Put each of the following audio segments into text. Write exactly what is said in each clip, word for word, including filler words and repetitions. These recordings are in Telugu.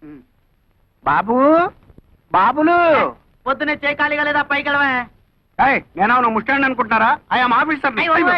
బాబు బాబులు పొద్దునే చేయి ఖాళీగా లేదా పైకి వెళ్ళవా? నేను ముస్టాండ్ అనుకుంటున్నారా? I'm officer.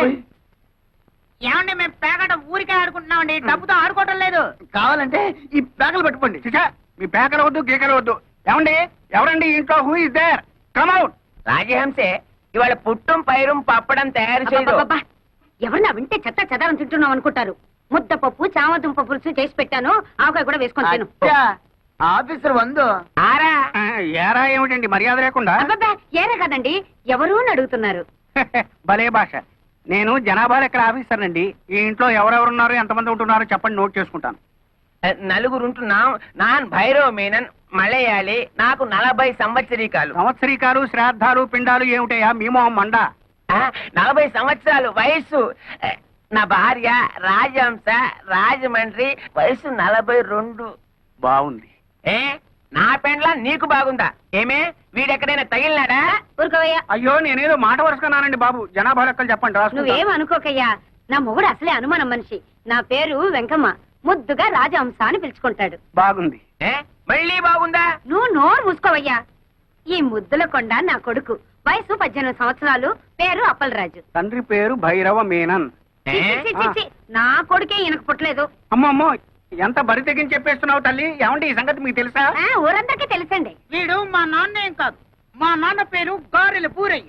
ఏమండి మేము పేకట ఊరికే ఆడుకుంటున్నామండి, డబ్బుతో ఆడుకోవటం లేదు. కావాలంటే ఈ పేకలు పెట్టుకోండి. మీ పేకలు వద్దు గీకలు వద్దు. ఏమండి ఎవరండి ఇంట్లో? Who is there? Come out. రాజహంసే ఇవాళ పుట్టం పైరం పప్పడం తయారు చేయదు. ఎవరన్నా వింటే చెత్త చెదారం తింటున్నాం అనుకుంటారు. ముద్దపప్పు చామదుంప పులుసు చేసి పెట్టాను, ఆవకాయ కూడా వేసుకొని తిను. ఆఫీసర్ వందు ఆరా ఏరా ఏమిటండి మర్యాద లేకుండా? అబ్బబ్బా ఏరే కదండి, ఎవరు అని అడుగుతున్నారు. భలే భాష. నేను జనాభా లెక్కల ఆఫీసర్ అండి. ఈ ఇంట్లో ఎవరెవరున్నారు, ఎంతమంది ఉంటున్నారో చెప్పండి, నోట్ చేసుకుంటాను. నలుగురుంటున్నాం. నాన్ భైరవ మీనన్ మలయాళి. నాకు నలభై సంవత్సరీకాలు. సంవత్సరీకాలు శ్రాద్ధాలు పిండాలు ఏమిటయా మీ మొహం మండ? నలభై సంవత్సరాలు వయస్సు. నా భార్య రాజహంస రాజమండ్రి, వయసు నలభై రెండు. బాగుంది. ఏ నా పెండ్లా నీకు బాగుందా? ఏమే వీడెక్కడైనా తగిలినాడా? ఊరుకోవయ్యా. అయ్యో నేనేదో మాట వరుసుకున్నానండి బాబు. జనాభా లెక్కలు చెప్పండి. నువ్వేం అనుకోకయ్యా, నా మొగుడు అసలే అనుమానం మనిషి. నా పేరు వెంకమ్మ, ముద్దుగా రాజహంస అని పిలుచుకుంటాడు. బాగుంది. ఏ మళ్ళీ బాగుందా? నువ్వు నోరు మూసుకోవయ్యా. ఈ ముద్దుల కొండ నా కొడుకు, వయసు పద్దెనిమిది సంవత్సరాలు, పేరు అప్పలరాజు. తండ్రి పేరు భైరవ మీనన్. చి, చి, చి, చి, నా కొడుకే ఈయనకు పుట్టలేదు. అమ్మమ్మో ఎంత బరి తెగించి చెప్పేస్తున్నావు తల్లి. ఏమంటే ఈ సంగతి మీకు తెలుసా? ఊరందరికీ తెలుసండి. వీడు మా నాన్న ఏం కాదు, మా నాన్న పేరు గారెల పూరయ్య.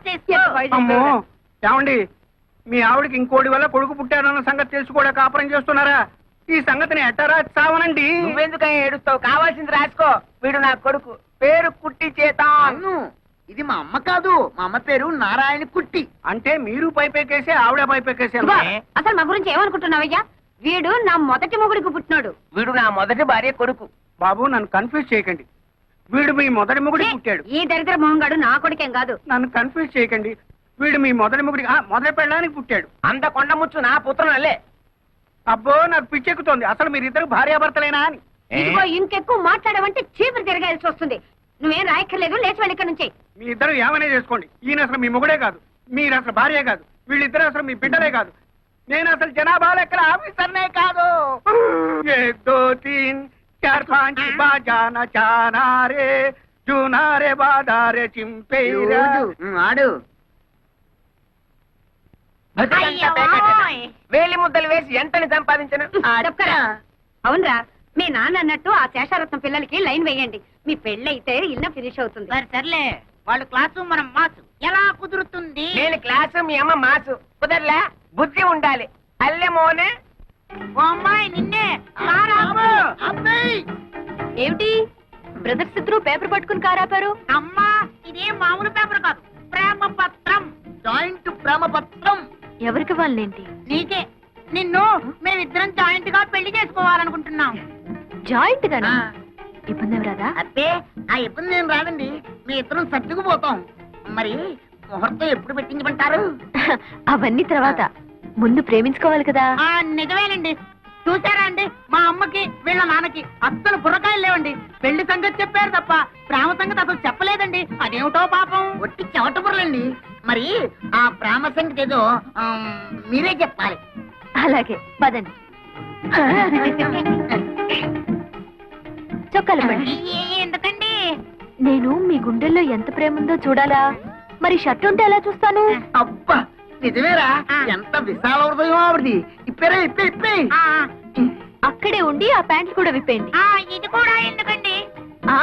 అమ్మో ఏమండి మీ ఆవిడకి ఇంకోటి వల్ల కొడుకు పుట్టారన్న సంగతి తెలుసు కూడా కాపురం చేస్తున్నారా? ఈ సంగతిని ఎట్టరా చావనండి. నువ్వెందుకని ఏడుస్తావు? కావాల్సింది రాసుకో. వీడు నా కొడుకు, పేరు కుట్టి చేతాను. ఇది మా అమ్మ కాదు, మా అమ్మ పేరు నారాయణ కుట్టి. అంటే మీరు పైపెక్కేసి ఆవిడ పైపెక్కేసి. అసలు మా గురించి ఏమనుకుంటున్నావయ్యా? వీడు నా మొదటి మొగుడికి పుట్టినాడు. వీడు నా మొదటి భార్య కొడుకు. బాబు నన్ను కన్ఫ్యూజ్ చేయకండి. వీడు మీ మొదటి మొగుడికి పుట్టాడు. ఈ దరిద్ర మొహంగాడు నా కొడుకేం కాదు. నన్ను కన్ఫ్యూజ్ చేయకండి. వీడు మీ మొదటి మొగుడికి మొదటి పెళ్ళడానికి పుట్టాడు. అంత కొండ ముచ్చు నా పుత్రనల్లే. అబ్బో నాకు పిచ్చెక్కుతోంది. అసలు మీరిద్దరు భార్యాభర్తలేనా అని. ఇదిగో ఇంకెక్కువ మాట్లాడమంటే చీపురు తిరగాల్సి వస్తుంది. నువ్వేం రాయక్కర్లేదు, లేచి వెళ్ళి ఇక్కడ నుంచి. మీ ఇద్దరు ఏమనే చేసుకోండి. ఈయన అసలు మీ మొగుడే కాదు, మీరు అసలు భార్యే కాదు, వీళ్ళిద్దరు అసలు మీ బిడ్డలే కాదు. నేను అసలు జనాభా లెక్కల ఆఫీసర్నే కాదు. ఏక్ దో తీన్ చార్ పాంచ్ బాజానా చానారే జూనారే బాదారే చింపేరా. ఆడు వేలి ముద్దలు వేసి ఎంతని సంపాదించను? అవునరా, మీ నాన్న అన్నట్టు ఆ శేషారత్నం పిల్లలకి లైన్ వేయండి. మీ పెళ్ళైతే ఇల్లు ఫినిష్ అవుతుంది. సరే సర్లే, వాళ్ళు క్లాసు మనం మాసు. ఎలా కుదురుతుంది? నేను క్లాసు, మీ అమ్మ మాసు. కుదరలే, బుద్ధి ఉండాలి. అల్లెమోనే ఓ అమ్మాయి నిన్నే. ఏమిటి బ్రదర్స్ ఇద్దరు పేపర్ పట్టుకుని కారాపారు? అమ్మా ఇది మామూలు పేపర్ కాదు, ప్రేమ పత్రం. జాయింట్ ప్రేమ పత్రం. ఎవరికి వాళ్ళేంటి? నీకే. నిన్ను మేమిద్దరం జాయింట్ గా పెళ్లి చేసుకోవాలనుకుంటున్నాం. జాయింట్ గానా? ఇబ్బంది ఏమి రాదా? అబ్బే ఆ ఇబ్బంది ఏం రాదండి, మీ ఇద్దరం సర్దుకుపోతాం. మరి ముహూర్తం ఎప్పుడు పెట్టించమంటారు? అవన్నీ తర్వాత, ముందు ప్రేమించుకోవాలి కదా. నిజమేనండి. చూసారా అండి, మా అమ్మకి వీళ్ళ నాన్నకి అస్సలు బుర్రకాయలు లేవండి. పెళ్లి సంగతి చెప్పారు తప్ప ప్రేమ సంగతి అసలు చెప్పలేదండి. అదేమిటో పాపం. ఒట్టి చెవట బుర్రలండి. మరి ఆ ప్రేమ సంగతి ఏదో మీరే చెప్పాలి. అలాగే పదండి. చొక్కాలు పడి. ఎందుకండి? నేను మీ గుండెల్లో ఎంత ప్రేమ ఉందో చూడాలా? మరి షర్ట్ ఉంటే ఎలా చూస్తాను? అబ్బా నిజమేరా, ఎంత విశాల హృదయం ఆవిడది. ఇప్పేరా ఇప్పే ఇప్పే. అక్కడే ఉండి ఆ ప్యాంట్లు కూడా విప్పేయండి. ఇది కూడా ఎందుకండి? ఆ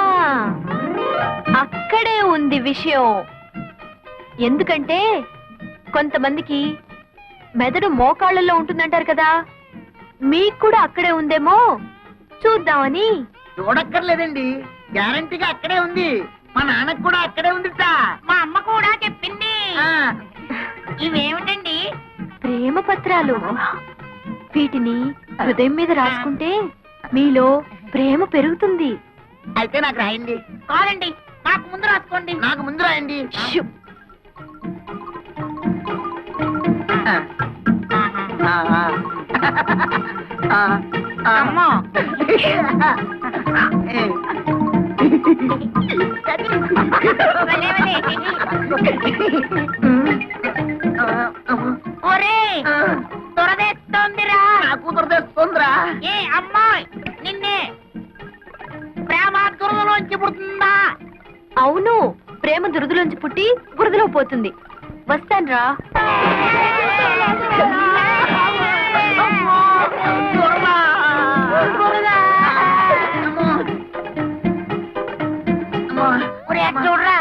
అక్కడే ఉంది విషయం. ఎందుకంటే కొంతమందికి మెదడు మోకాళ్ళలో ఉంటుందంటారు కదా, మీకు కూడా అక్కడే ఉందేమో చూద్దామని. చూడక్కర్లేదండి, గ్యారంటీగా అక్కడే ఉంది. మా నాన్నకు కూడా అక్కడే ఉందిట. మా అమ్మ కూడా చెప్పింది. ఇవేమిటండి? ప్రేమ పత్రాలు. వీటిని హృదయం మీద రాసుకుంటే మీలో ప్రేమ పెరుగుతుంది. అయితే నాకు రాయండి. కాదండి, నాకు ముందు రాసుకోండి. నాకు ముందు రాయండి. అమ్మా ఒరే దురదేస్తోందిరా. నాకు దురదేస్తోందిరా. ఏ అమ్మాయి నిన్నే. బురదలోంచి పుడుతుందా? అవును, ప్రేమ దురదలోంచి పుట్టి బురదలో పోతుంది. వస్తాన్రా. అమ్మో, బురద, బురద. అమ్మో. అమ్మో, ఒరే, అటు చూడరా.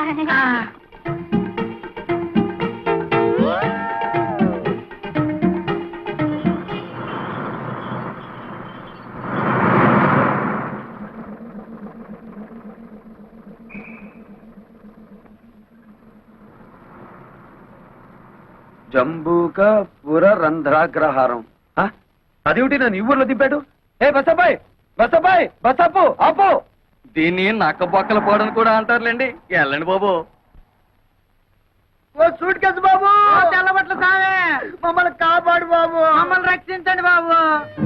జంబూక పుర రంధ్రాగ్రహారం. ఆ? అదేమిటి నన్ను ఈ ఊర్లో దింపాడు? ఏ బసబాయ్, బసబాయ్, బసపు ఆపు. దీన్ని నక్క బొక్కల పోవడం కూడా అంటారులేండి. వెళ్ళండి బాబు. ఓ సూట్ కేసు బాబు, ఓ తెల్లబట్ల సామే, మమ్మల్ని కాపాడు బాబు. మమ్మల్ని రక్షించండి బాబు.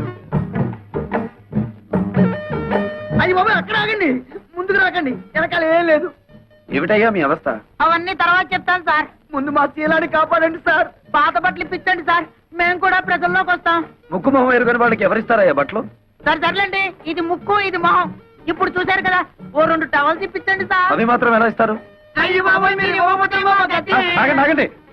అయ్యి బాబు, అక్కడ ఆగండి, ముందుకు రాకండి, వెనకాల ఏం లేదు. ఏమిటయ్యా మీ అవస్థ? అవన్నీ తర్వాత చెప్తాను సార్. ముందు మా శీలాన్ని కాపాడండి సార్. పాత బట్టలు ఇప్పించండి సార్, మేము కూడా ప్రజల్లోకి వస్తాం. ముక్కు మొహం ఎరుగని వాళ్ళకి ఎవరిస్తారయ్యా బట్టలు? సరే సర్లేండి, ఇది ముక్కు ఇది మొహం. ఇప్పుడు చూశారు కదా, ఓ రెండు టవల్స్ ఇప్పించండి సార్. అవి మాత్రం ఎలా ఇస్తారు? అయ్యి బాబోయ్, మీరు ఇవ్వకపోతే ఇవ్వకపోతే. ఆగండి ఆగండి